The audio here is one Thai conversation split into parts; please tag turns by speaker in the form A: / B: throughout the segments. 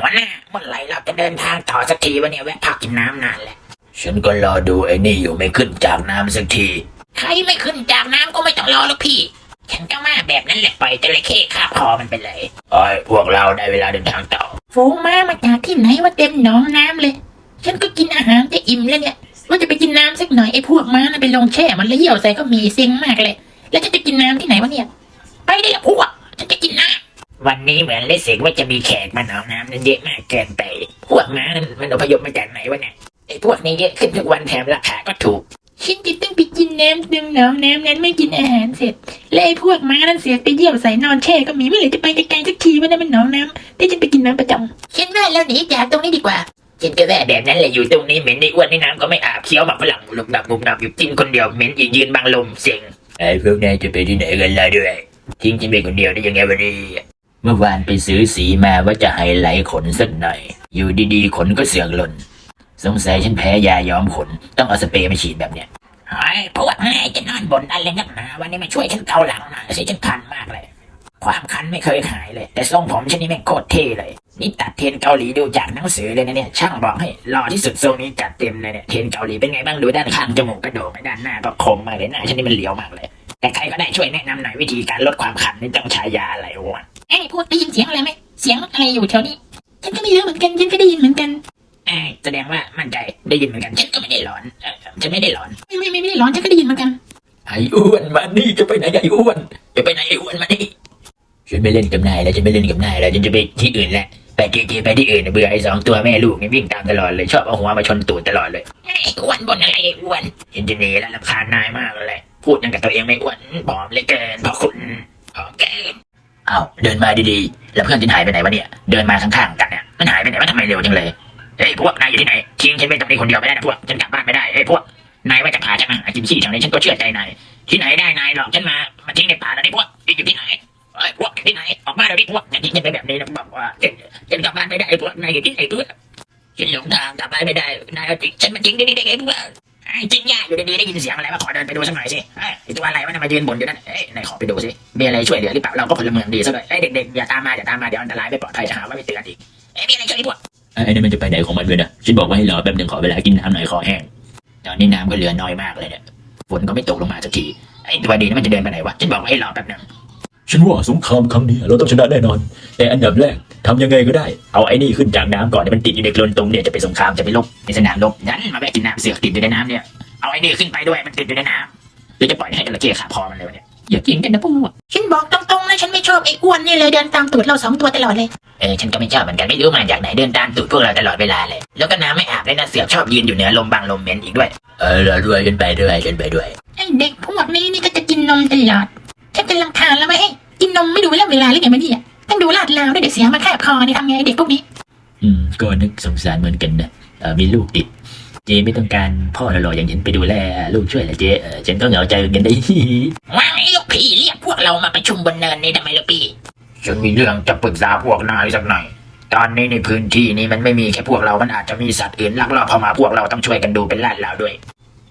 A: หัวหน้าเมื่อไหร่เราจะเดินทางต่อสักทีวะเนี่ยแวะพักกินน้ำนานแล้ว
B: ฉันก็รอดูไอ้นี่อยู่ไม่ขึ้นจากน้ำสักที
A: ใครไม่ขึ้นจากน้ำก็ไม่ต้องรอแล้วพี่ฉันก็มาแบบนั้นแหละปล่อยจระเข้คาบคอมันไปเลย
B: โอ้ยพวกเราได้เวลาเดินทางต่อ
A: ฝูงม้ามาจากที่ไหนว่าเต็มหนองน้ำเลยฉันก็กินอาหารจะอิ่มแล้วเนี่ยว่าจะไปกินน้ำสักหน่อยไอ้พวกม้าน่ะไปลงแช่มันแล้วเหี่ยวใส่ก็มีเซ็งมากเลยแล้วจะกินน้ำที่ไหนวะเนี่ยไปได้ละพวกฉันจะกินน้ำวันนี้เหมือนเลสเซกว่าจะมีแขกมาหนองน้ำนั่นเยอะมากเกินไปพวกม้านั้นมันอพยพมาจากไหนวะเนี่ยไอ้พวกนี้เยอะขึ้นทุกวันแถมราคาก็ถูกฉันจะต้องไปกินน้ำดึงหนองน้ำนั้นไม่กินอาหารเสร็จและไอ้พวกม้านั้นเสียไปเยี่ยวใส่นอนแช่ก็มีเมื่อไหร่จะไปไกลๆสักทีวะเนี่ยมันหนองน้ำที่ฉันไปกินน้ำประจำฉันว่าแล้วหนีจากตรงนี้ดีกว่าฉันก็แว่แบบนั้นแหละอยู่ตรงนี้เหม็นในอ้วนในน้ำก็ไม่อาบเคี้ยวหมักฝรั่งหลุมดับมุมดับอยู่กินคนเดียวเหม็นยืนบังลมเสียง
B: ไอ้พวกนายจะไปที่ไหนกันล่ะด้วยทิ้งฉันไปคนเดียวได้ยังไงวันนี้เมื่อวานไปซื้อสีมาว่าจะไฮไลท์ขนสักหน่อยอยู่ดีๆขนก็เสือกหล่นสงสัยฉันแพ้ยาย้อมขนต้องเอาสเปรย์มาฉีดแบบเนี้ย
A: ไอ้พวกนายจะนอนบนอะไรนักหนาวันนี้มาช่วยฉันเกาหลังหน่อยสิฉันคันมากเลยความคันไม่เคยหายเลยแต่ทรงผมฉันนี่แม่งโคตรเท่เลยนี่ตัดเทรนเกาหลีดูจากหนังสือเลยนะเนี่ยช่างบอกให้หล่อที่สุดทรงนี้จัดเต็มเลยเนี่ยเทรนเกาหลีเป็นไงบ้างดูด้านข้างจมูกกระโดงด้านหน้าก็คมมากเลยหน้าฉันนี่มันเหลียวมากเลยแต่ใครก็ได้ช่วยแนะนำหน่อยวิธีการลดความคันนี่ต้องใช้ยาอะไรวะไอ้พวกได้ยินเสียงอะไรไหมเสียงอะไรอยู่แถวนี้ฉันก็ไม่รู้เหมือนกันฉันก็ได้ยินเหมือนกันแสดงว่ามั่นใจได้ยินเหมือนกันฉันก็ไม่ได้หลอนฉันไม่ได้หลอนไม่ได้หลอนฉันก็ได้ยินเหมือนกัน
B: ไอ้อ้วนมานี่จะไปไหนไอ้อ้วนจะไปไหนไอ้อ้วนมานี่ฉันไม่เล่นกับนายแล้วฉันไม่เล่นกับนายแล้วฉันจะไปที่อื่นแหละไปเจไปที่อื่นเบื่อไอ้สองตัวแม่ลูกนี่วิ่งตามตลอดเลยชอบเอาหัวมาชนตูดตลอดเลย
A: ไอ้อ้วนบนอะไรไอ้อ้วน
B: ฉันจะหนีแล้วรำคาญนายมากเลยพูดยังกับตัวเองไม่อ้วนผอมเลยเกินเพราะคุณผอมเกินอ้าวเดินมาดีๆแล้วเพื่อนฉันหายไปไหนวะเนี่ยเดินมาข้างๆกันเนี่ยมันหายไปไหนวะทำไมเร็วจังเลยเฮ้ยพวกนายอยู่ที่ไหนทิ้งฉันไปตรงนี้คนเดียวไม่ได้นะพวกฉันกลับบ้านไม่ได้เฮ้ยพวกนายว่าจะพาฉันมาหากินขี้ทางนี้ฉันก็เชื่อใจนายที่ไหนได้นายหลอกฉันมาทิ้งในป่าแล้วนี่พวกอยู่ที่ไหนเฮ้ยพวกอยู่ที่ไหนออกมาเดี๋ยวนี้พวกอย่าทิ้งฉันไปแบบนี้นะบอกว่าฉันกลับบ้านไม่ได้พวกนายอยู่ที่ไหนพวกฉันหลงทางกลับบ้านไม่ได้นายเอาฉันมาทิ้งที่นี่ได้ไงพวกจริงยากอยู่ดีๆได้ยินเสียงอะไรมาขอเดินไปดูสักหน่อยสิไอ้ตัวอะไรวะมายืนบ่นอยู่นั่นนายขอไปดูสิมีอะไรช่วยเหลือหรือเปล่าเราก็พลเมืองดีซะด้วยเด็กๆอย่าตามมาเดี๋ยวอันตรายไม่ปลอดภัยจะหาว่าไม่เตือนอีกมีอะไรช่วยพวกไอ้นี่มันจะไปไหนของมันด้วยนะฉันบอกว่าให้รอแป๊บนึงขอเวลากินน้ำหน่อยคอแห้งตอนนี้น้ำก็เหลือน้อยมากเลยเนี่ยฝนก็ไม่ตกลงมาสักทีไอ้ตัวดีนี่มันจะเดินไปไหนวะฉันบอกว่าให้รอแป๊บนึงฉันว่าสงครามครั้งนี้เราต้องชนะแน่นอนแต่อันดับแรกทำยังไงก็ได้เอาไอ้นี่ขึ้นจากน้ำก่อนเนี่ยมันติดอยู่ในโคลนตรงเนี่ยจะไปสงครามจะไปลบในสนามรบนั้นมาแวะกินน้ำเสือกติดอยู่ในน้ำเนี่ยเอาไอ้นี่ขึ้นไปด้วยมันติดอยู่ในน้ำหรือจะปล่อยให้จระเข้ขาพอมันเลยวะเนี่ย
A: อย่ากินกันนะพวกฉันบอกตรงๆนะฉันไม่ชอบไอ้อ้วนนี่เลยเดินตามตูดเรา2ตัวตลอดเลย
B: ฉันก็ไม่ชอบเหมือนกันไม่รู้มาจากไหนเดินตามตูดพวกเราตลอดเวลาเลยแล้วก็น้ำไม่อาบเลยนะเสือกชอบยืนอยู่เหนือลมบางลมเหม็นอีกด้วยเราด้วยฉันไปด้วย
A: ไอ้เด็กพวกนี้นี่ก็จะกินนมตลอดฉันจะรำคาญแล้วไหมกินนมไม่ดูเวลาหรือไงมาเนี่ยต้องดูลาดลาวด้วยเดี๋ยวเสียงมาแคบคอนี่ทำไงเด็กพวกนี้
B: ก็นึกสงสารเหมือนกันนะมีลูกติดเจไม่ต้องการพ่อหล่อๆอย่างฉันไปดูแลลูกช่วยเหรอเจฉันก็เหงาใจเหมือนกันได้
A: ว่าไอ้ลูกพี่เรียกพวกเรามาประชุมบนเนินนี่ทำไมลูกพี่
B: ฉันมีเรื่องจะปรึกษาพวกนายสักหน่อยตอนนี้ในพื้นที่นี้มันไม่มีแค่พวกเรามันอาจจะมีสัตว์อื่นลักลอบเข้ามาพวกเราต้องช่วยกันดูเป็นลาดลาวด้วย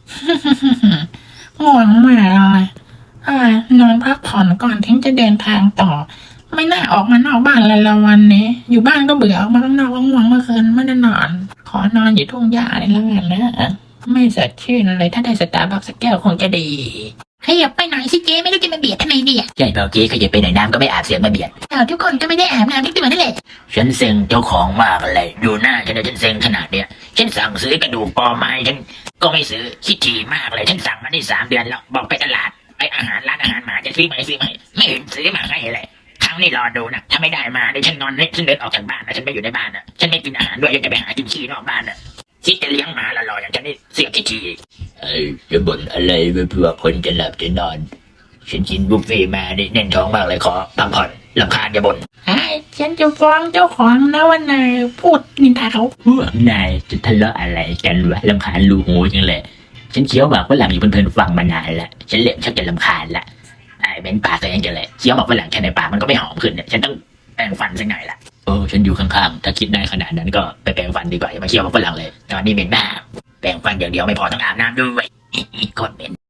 A: ง่วงมากเลยนอนพักผ่อนก่อนถึงจะเดินทางต่อไม่น่าออกมานอกบ้านเลยละวันนี้อยู่บ้านก็เบื่อออกมาข้างนอกง่วงเมื่อคืนไม่ได้นอนขอนอนอยู่ทุ่งหญ้าเลยแล้วกันนะไม่สดชื่นเลยถ้าได้สตาร์บัคสักแก้วคงจะดีขยับไปหน่อยสิเจ๊ไม่รู้จะมาเบียดทำไมเนี่ย
B: ใช่เปล่าเจ๊ขยับไปไหนน้ำก็ไม่อาบเสียงมาเบียด
A: ทุกคนก็ไม่ได้อาบน้ำทุกตัวนั่นแหละ
B: ฉันเซ็งเจ้าของมากเลยดูหน้าฉันเซ็งขนาดเนี้ยฉันสั่งซื้อกระดูกปอไม้ฉันก็ไม่ซื้อขี้ถี่มากเลยฉันสั่งมาได้3 เดือนแล้วบอกไปตลาดไออาหารร้านอาหารหมาจะซื้อไหมไม่เห็นซื้อมาให้เลยครั้งนี้รอดูนะถ้าไม่ได้มาเดี๋ยวฉันนอนฉันเดินออกจากบ้านนะฉันไม่อยู่ในบ้านนะฉันไม่กินอาหารด้วยยังจะไปหากินขี้นอกบ้านนะคิดจะเลี้ยงหมาหล่อๆอย่างฉันนี่เสียขี้ถี่จะบ่นอะไรเพื่อคนจะหลับจะนอนฉันกินบุฟเฟ่มานี่แน่นท้องมากเลยขอพักผ่อนรำคาญอย่าบ่น
A: ฉันจะฟ้องเจ้าของนะว่านายพูดนินทาเขา
B: พวกนายจะทะเลาะอะไรกันวะรำคาญลูกหูจังเลยฉันเคี้ยวหมากฝรั่งอยู่เพลินๆฟังมานานละฉันเริ่มชักจะรำคาญละเม้นปากตัวเองจังเลยเคี้ยวหมากฝรั่งแค่ในปากมันก็ไม่หอมขึ้นเนี่ยฉันต้องแปรงฟันสักหน่อยละฉันอยู่ข้างๆถ้าคิดได้ขนาดนั้นก็ไปแปรงฟันดีกว่าอย่ามาเคี้ยวหมากฝรั่งเลยตอนนี้เหม็นมากแปรงฟันอย่างเดียวไม่พอต้องอาบน้ำด้วยกดเหม็น